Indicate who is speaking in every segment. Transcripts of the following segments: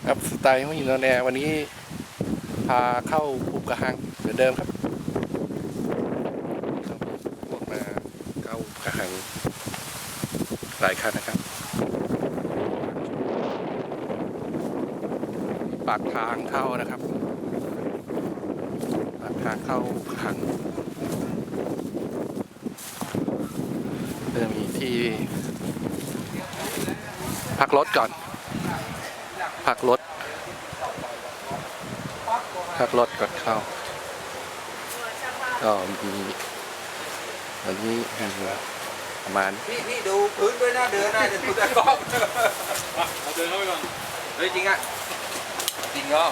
Speaker 1: ครับสไตล์ห้องอินโดนีเซียวันนี้พาเข้าภูกระหังเหมือนเดิมครับพวกมาเข้าภูกระหังหลายคันนะครับปากทางเข้านะครับปากทางเข้าภูกระหังเริ่มมีที่พักรถก่อนพักรถก่อนเข้าก็มีวันนี้มีประมาณ
Speaker 2: พี่ดูพื้นด้วยนะเดินได้แต่ดูแต่กล้องเอาเดินเข้าไปก่อนเฮ้ยจริงอ่ะจริงก็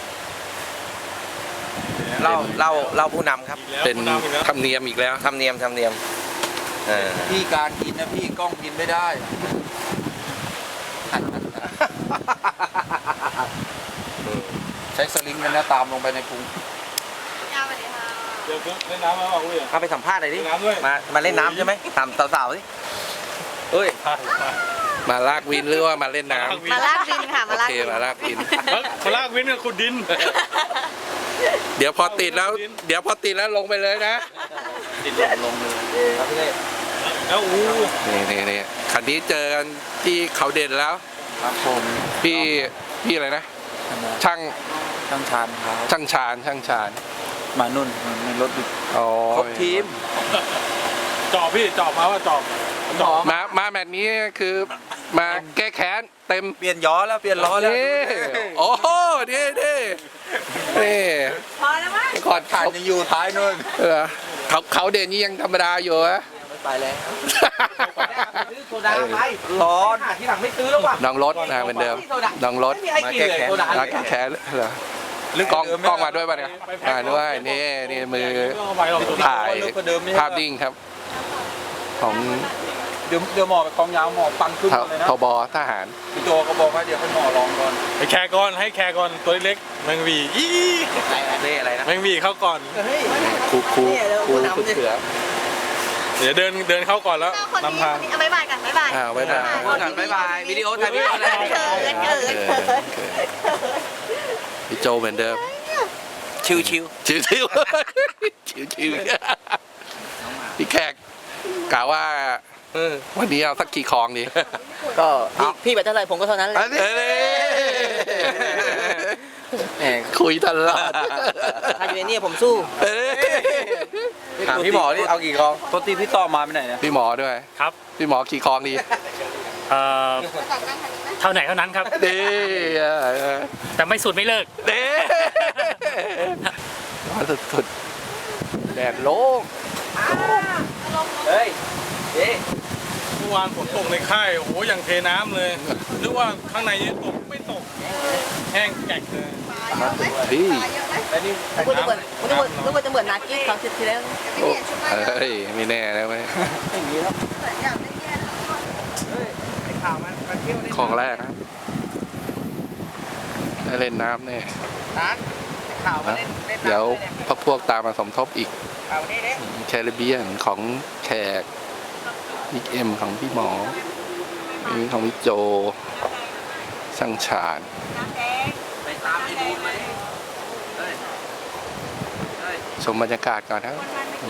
Speaker 2: เล่าผู้นำครับ
Speaker 1: เป็นธรรมเนียมอีกแล้ว
Speaker 2: ธรรมเนียมพี่การกินนะพี่กล้องกินไม่ได้ใช้สลิงกันนะตามลงไปในพุง
Speaker 3: เดี๋ยวเล่นน้ำมาบอกเลย
Speaker 2: เข้าไปสัมภาษณ์หน่อยดิมาเล่นน้ำใช่ไหมถามสาวๆสิเฮ้ย
Speaker 1: มาลากวินหรือว่ามาเล่นน้ำ
Speaker 4: มาลากวินค่ะมาลากวิน
Speaker 1: มาลากวิน
Speaker 3: มาลากวินกับขุดดิน
Speaker 1: เดี๋ยวพอติดแล้วลงไปเลยนะ
Speaker 2: ติดลงเลยครับพี่เล่
Speaker 3: แล้ว
Speaker 1: นี่คันนี้เจอกันที่เขาเด่นแล้ว
Speaker 2: ครับผม
Speaker 1: พี่อะไรนะช่าง
Speaker 2: ชานครับ
Speaker 1: ช่างชาน
Speaker 2: มานุ่นมีรถครบทีม
Speaker 3: จอบพี่จอบมาว่าจอบ
Speaker 1: มาแมตช์นี้คือมาแก้แค้นเต็ม
Speaker 2: เปลี่ยนย้อแล้วเปลี่ยนล้อแล้ว
Speaker 1: โอ้โหนี่
Speaker 4: พอแล้วมั้ง
Speaker 1: ก่อน
Speaker 2: ผ่านยังอยู่ท้ายนู่น
Speaker 1: เขาเด่นนี่ยังธรรมดาอยู่อะ
Speaker 2: ไม่ไปแล้วซื้อโซดาไปร้อนที่หลังไม่ซื้อแล้วว่ะ
Speaker 1: น้องรถนะเหมือนเดิมน้องรถ
Speaker 2: มาแก้
Speaker 1: แค้นเหรอกล้องมาด้วยป่ะเนี่ยมาด้วยนี่มือถ่ายภาพนิ่งครับของ
Speaker 2: เดี๋ยวหมอไปกองยาวหมอปังขึ้นเลยนะ
Speaker 1: ทบทหาร
Speaker 2: พี่โจก็บอกว่าเดี๋ยวให้หมอลองก่อน
Speaker 3: ให้แคร์ก่อนตัวเล็กแมงวี
Speaker 2: อะไรนะ
Speaker 3: แมงวีเข้าก่อน
Speaker 1: ครูเสือ
Speaker 3: เดี๋ยวเดินเข้าก่อนแล้วนำทาง
Speaker 4: บ๊ายบายกันบ๊ายบาย
Speaker 1: บ๊ายบาย
Speaker 2: วิดีโอถ่ายวิดีโอเลย
Speaker 1: พี่โจเหมือนเดิม
Speaker 2: ชิว
Speaker 1: พี่แขกกล่าวว่าวันนี้เอาสักกี่คลองดี
Speaker 2: ก็พี่ไปเท่าไหร่ผมก็เท่านั้นเลย
Speaker 1: คุยตลอด
Speaker 2: ถ้าอยู่ในนี่ผมสู้ถามพี่หมอที่เอากี่คลองตัวตีพี่ต่อมาไปไหนเนี่ย
Speaker 1: พี่หมอด้วย
Speaker 3: ครับ
Speaker 1: พี่หมอกี่คลองดี
Speaker 3: เท่าไหนเท่านั้นครับ
Speaker 1: ดี
Speaker 3: แต่ไม่สุดไม่เลิก
Speaker 1: ดีสุดแดดโล่ง
Speaker 2: เฮ้ย
Speaker 3: เมื่อวานฝนตกในค่ายโอ้โหอย่างเทน้ำเลยหรือว่าข้างในตกไม่ตกแห้งแกะเลย
Speaker 1: พี่
Speaker 4: นึกว่าจะเหมือนนากี้ครั้งที่แล้ว
Speaker 1: เฮ้ยไม่แน่แล้วไหมของแรกนะได้เล่นน้ำเนี่ยเดี๋ยวพวกตามมาสมทบอีกแคริบเบียนของแขกบิ๊กเอ็มของพี่หมอนี่ของพี่โจช่างฉานชมบรรยากาศก่อนครับ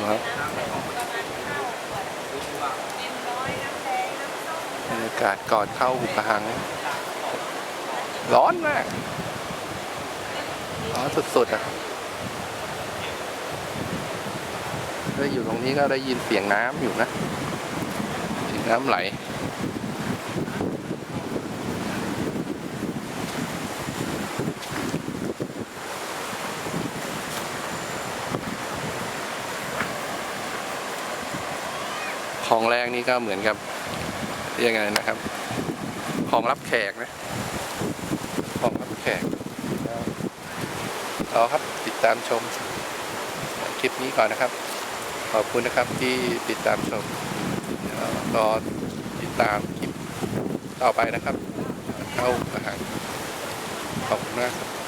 Speaker 1: บรรยากาศก่อนเข้าหุบกระหังร้อนมากร้อนสุดๆอ่ะก็อยู่ตรงนี้ก็ได้ยินเสียงน้ำอยู่นะเสียงน้ำไหลของแรกนี่ก็เหมือนกับยังไงนะครับของรับแขกนะของรับแขกเอาครับติดตามชมคลิปนี้ก่อนนะครับขอบคุณนะครับที่ติดตามชมรอติดตามคลิปต่อไปนะครับเข้าอาหารขอบคุณมากครับ